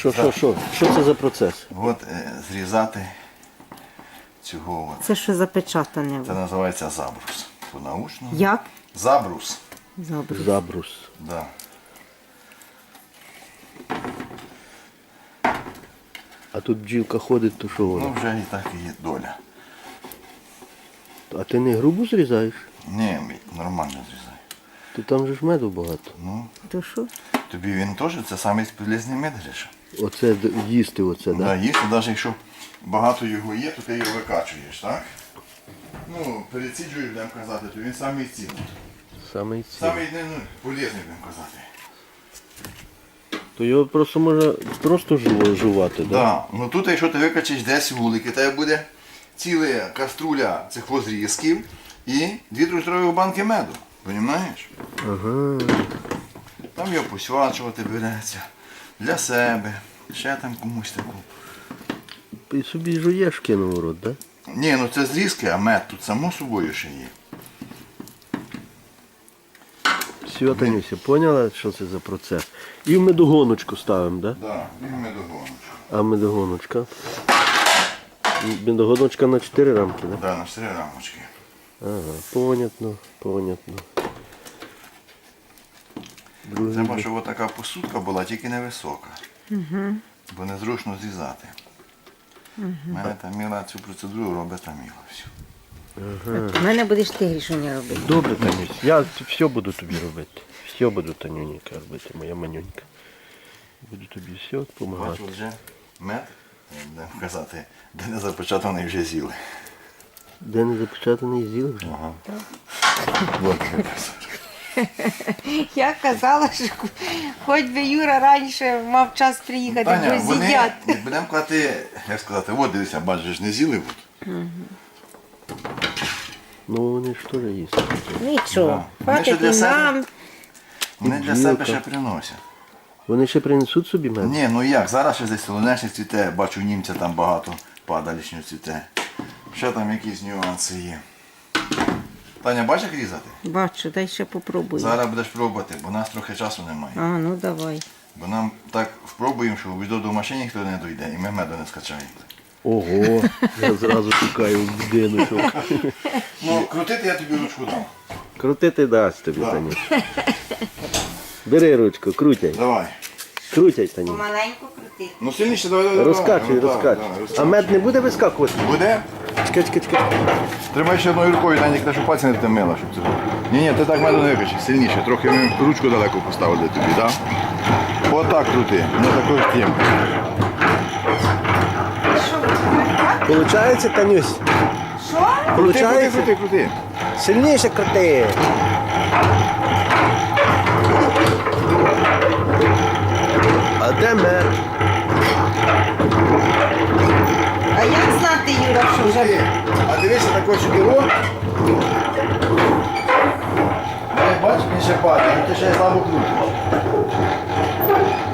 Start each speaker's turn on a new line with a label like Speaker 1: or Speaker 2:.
Speaker 1: Що це за процес?
Speaker 2: От зрізати цього.
Speaker 3: Це що запечатане?
Speaker 2: Це називається забрус. По-научному.
Speaker 3: Як?
Speaker 2: Забрус.
Speaker 1: Забрус.
Speaker 2: Да.
Speaker 1: А тут бджілка ходить, то що вона?
Speaker 2: Ну вже і так і є доля.
Speaker 1: А ти не грубо зрізаєш?
Speaker 2: Ні, нормально зрізаю.
Speaker 1: То там же ж меду багато.
Speaker 2: Ну,
Speaker 3: То що?
Speaker 2: тобі він теж, це самий полезний мед, Гриша.
Speaker 1: Оце їсти, оце, так?
Speaker 2: Да, їсти, навіть якщо багато його є, то ти його викачуєш, так? Ну, переціджуєш, будемо казати, то він самий цінний.
Speaker 1: Самий ці.
Speaker 2: Самий полезний, будемо казати.
Speaker 1: То його просто можна просто жувати, так?
Speaker 2: Да. Ну тут, якщо ти викачиш десь вулики, тебе буде ціла каструля цих возрізків і 2-3 банки меду. Понімаєш?
Speaker 1: Ага.
Speaker 2: Там його посвачувати береться. Для себе. Ще там комусь таку.
Speaker 1: І собі жуєш кинув у рот, так?
Speaker 2: Ні, ну це зрізки, а мед тут само собою ще є.
Speaker 1: Все, Танюся, поняла, що це за процес? І в медогоночку ставимо, так?
Speaker 2: Так, да, і медогоночку.
Speaker 1: А медогоночка? Медогоночка на 4 рамки, так?
Speaker 2: Так, да, на 4 рамочки.
Speaker 1: Ага, понятно.
Speaker 2: Треба, щоб така посудка була, тільки невисока. Бо незручно зрізати. У мене Таміла цю процедуру робить Таміла. Всю.
Speaker 3: У мене будеш ти Грішуня робити.
Speaker 1: Добре, Танюсь, я все буду тобі робити. Все буду, Танюнька, робити, моя манюнька. Буду тобі все допомагати.
Speaker 2: Бачу, вже мед, будемо казати, де не запечатаний вже з'їли.
Speaker 1: Де не запечатаний зіл вже?
Speaker 2: Ага. Вот,
Speaker 3: Я казала, що хоч би Юра раніше мав час приїхати,
Speaker 2: Таня,
Speaker 3: бо
Speaker 2: вони,
Speaker 3: з'їдять.
Speaker 2: будемо казати, як сказати, от дивися, бачиш, не з'їли.
Speaker 1: Ну вони ж теж їсти.
Speaker 3: Нічого,
Speaker 2: Да. Вони ще
Speaker 3: хватить
Speaker 2: для
Speaker 3: і
Speaker 2: себе.
Speaker 3: нам.
Speaker 2: Вони для себе ще приносять.
Speaker 1: Вони ще принесуть собі мед?
Speaker 2: Ні, ну як, зараз ще десь солонечник цвіте, бачу німця там багато падалічнього цвіте. Ще там якісь нюанси є. Таня, бачиш, як різати?
Speaker 3: Бачу, дай ще попробую.
Speaker 2: Зараз будеш пробувати, бо у нас трохи часу немає.
Speaker 3: А, ну давай.
Speaker 2: Бо нам так впробуємо, що до машини ніхто не дойде і ми меду не скачаємо.
Speaker 1: Ого, я зразу шукаю в будиночок.
Speaker 2: Ну, крутити я тобі ручку дам.
Speaker 1: Крутити дасть тобі,
Speaker 2: Да.
Speaker 1: Танюш. Бери ручку, крутяй.
Speaker 2: Давай.
Speaker 1: Крутяй, Танюш.
Speaker 3: Помаленьку крути.
Speaker 2: Ну сильніше, давай.
Speaker 1: Розкачуй,
Speaker 2: Ну, так,
Speaker 1: розкачуй.
Speaker 2: так,
Speaker 1: А
Speaker 2: розкачуй.
Speaker 1: мед не буде вискакувати?
Speaker 2: Буде?
Speaker 1: Чекай.
Speaker 2: Тримай ще одною рукою, Таня, те, щоб пальці не втемила, щоб це. Ні, ти так меду не викачи, сильніше. Трохи ми ручку далеко поставили тобі, так? Отак крути, не такою тим.
Speaker 1: Получається, Танюсь?
Speaker 3: Що?
Speaker 1: Получається?
Speaker 2: Крути.
Speaker 1: Сильніше крути. А де мед?
Speaker 3: А як знати, Юра, що вже...
Speaker 2: А дивися, такий шкіро. Бачиш, він ще падає, ти ще слабо крутиш.